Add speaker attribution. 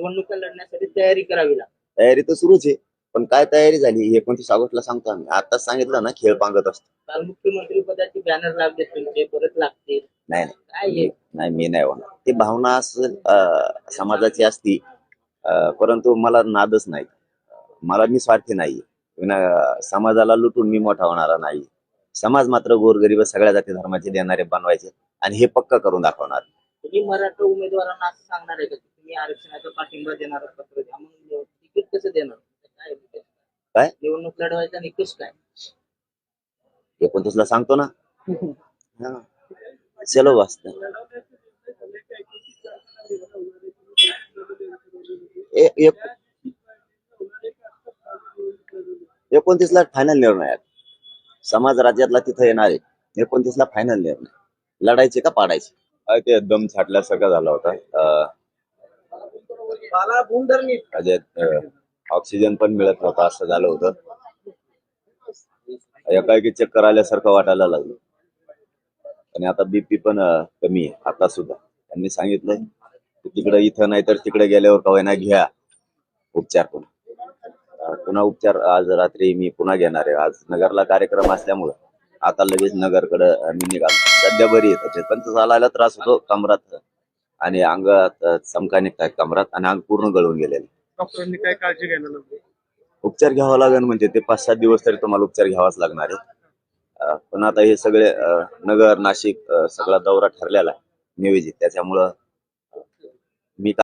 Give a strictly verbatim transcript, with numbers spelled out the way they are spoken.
Speaker 1: निवडणुका लढण्यासाठी तयारी करावी लागते.
Speaker 2: तयारी तर सुरूच आहे, पण काय तयारी झाली एकोणतीस ऑगस्टला सांगतो आम्ही. आताच सांगितलं ना, खेळ पांगत असतो.
Speaker 1: काल मुख्यमंत्री पदाचे बॅनर लागले तुमचे, परत लागतील.
Speaker 2: नाही
Speaker 1: काय
Speaker 2: नाही
Speaker 1: आहे?
Speaker 2: नाही, मी नाही होणार. ती भावना असेल अं, समाजाची असती, अं, परंतु मला नादच नाही. मला मी स्वार्थी नाही. विना- समाजाला लुटून मी मोठा होणारा नाही. समाज मात्र गोरगरीब सगळ्या जाती धर्माचे देणारे बनवायचे आणि हे पक्क करून दाखवणार.
Speaker 1: तुम्ही मराठा उमेदवारांना असं सांगणार आहे का की तुम्ही आरक्षणाचा पाठिंबा देणार पत्र द्या, मग तिकीट कसं देणार? काय निकष?
Speaker 2: काय
Speaker 1: निवडणूक लढवायचा निकष काय?
Speaker 2: एकोणतीस ला सांगतो ना. हा. चलो वाचत एकोणतीस ला फायनल निर्णय आहे. समाज राज्यातला तिथं येणार आहे. एकोणतीस ला फायनल निर्णय. लढायचे का पाडायचे? काय ते दम छाटल्यासारखा झाला होता. अं, त्याच्यात अं, ऑक्सिजन पण मिळत नव्हता, असं झालं होतं. एकाएकी चक्कर आल्यासारखं वाटायला लागलं. आणि आता बीपी पण अं, कमी आहे आता सुद्धा. त्यांनी सांगितलंय की तिकडे इथं नाही तर तिकडे गेल्यावर का होईना घ्या उपचार. पुन्हा अं, पुन्हा उपचार आज रात्री मी पुन्हा घेणार आहे. आज नगरला कार्यक्रम असल्यामुळं आता लगेच नगरकडे मी निघालो. सध्या बरी येत पण चालायला त्रास होतो कमरात आणि अंगात अं, चमका निघतात कमरात आणि अंग पूर्ण गळून गेलेलं.
Speaker 3: डॉक्टरांनी काय काळजी घ्यायला लागली?
Speaker 2: उपचार घ्यावा लागेल म्हणजे ते पाच सात दिवस तरी तुम्हाला उपचार घ्यावाच लागणार आहे. अं, पण आता हे सगळे अं, नगर नाशिक अं, सगळा दौरा ठरलेला आहे नियोजित, त्याच्यामुळं